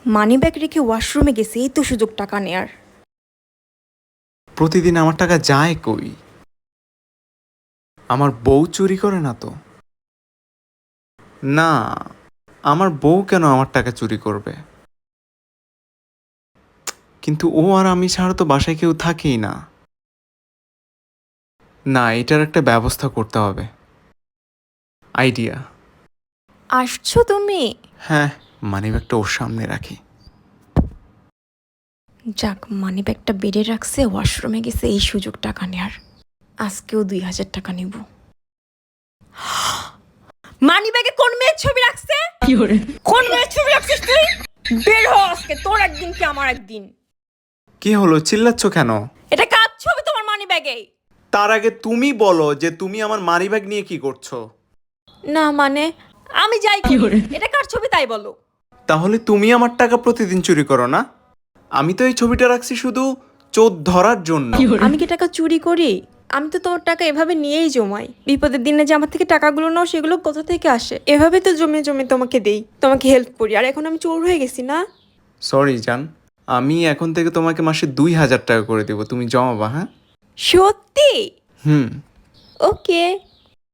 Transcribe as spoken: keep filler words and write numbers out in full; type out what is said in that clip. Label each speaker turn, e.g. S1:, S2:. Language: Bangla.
S1: মানি ব্যাগ রেখে ওয়াশরুমে গেছে, এই তো সুযোগ টাকা নেয়ার।
S2: প্রতিদিন আমার টাকা যায় কই? আমার বউ চুরি করে না তো? না, আমার বউ কেন আমার টাকা চুরি করবে? কিন্তু ও আর আমি ছাড়া তো বাসায় কেউ থাকেই না। না, এটার একটা ব্যবস্থা করতে হবে। আইডিয়া।
S1: আসছো তুমি?
S2: হ্যাঁ, মানিব্যাগটা ওর সামনে রাখি।
S1: যাক, মানি ব্যাগটা বেড়ে রাখছে, ওয়াশরুমে গেছে, এই সুযোগ টাকা নেয়ার। আজকেও দুই হাজার টাকা নিব। মানি ব্যাগে কোন মেয়ের ছবি রাখছে? কোন মেয়ের ছবি রাখছিস তুই? বের হ আজকে, তোর একদিন কি আমার একদিন।
S2: কি হলো, চিল্লাচ্ছ কেন?
S1: এটা কার ছবি তোমার মানি ব্যাগে?
S2: তার আগে তুমি বলো যে তুমি আমার মানিব্যাগ নিয়ে কি করছো?
S1: না মানে আমি যাই কি করে, এটা কার ছবি তাই বলো।
S2: তাহলে তুমি আমার টাকা প্রতিদিন চুরি করো না? আমি তো এই ছবিটা রাখছি শুধু চোর ধরার জন্য।
S1: আমি কি টাকা চুরি করি? আমি তো তোমার টাকা এভাবে নিয়েই জমাই। বিপদের দিনে যে আমার থেকে টাকাগুলো নাও, সেগুলো কোথা থেকে আসে? এভাবে তো জমিয়ে জমিয়ে তোমাকে দেই, তোমাকে হেল্প করি। আর এখন আমি চোর হয়ে গেছি না?
S2: সরি জান, আমি এখন থেকে তোমাকে মাসে দুই হাজার টাকা করে দেবো, তুমি জমাবা। হ্যাঁ,
S1: সত্যি?
S2: হুম।
S1: ওকে।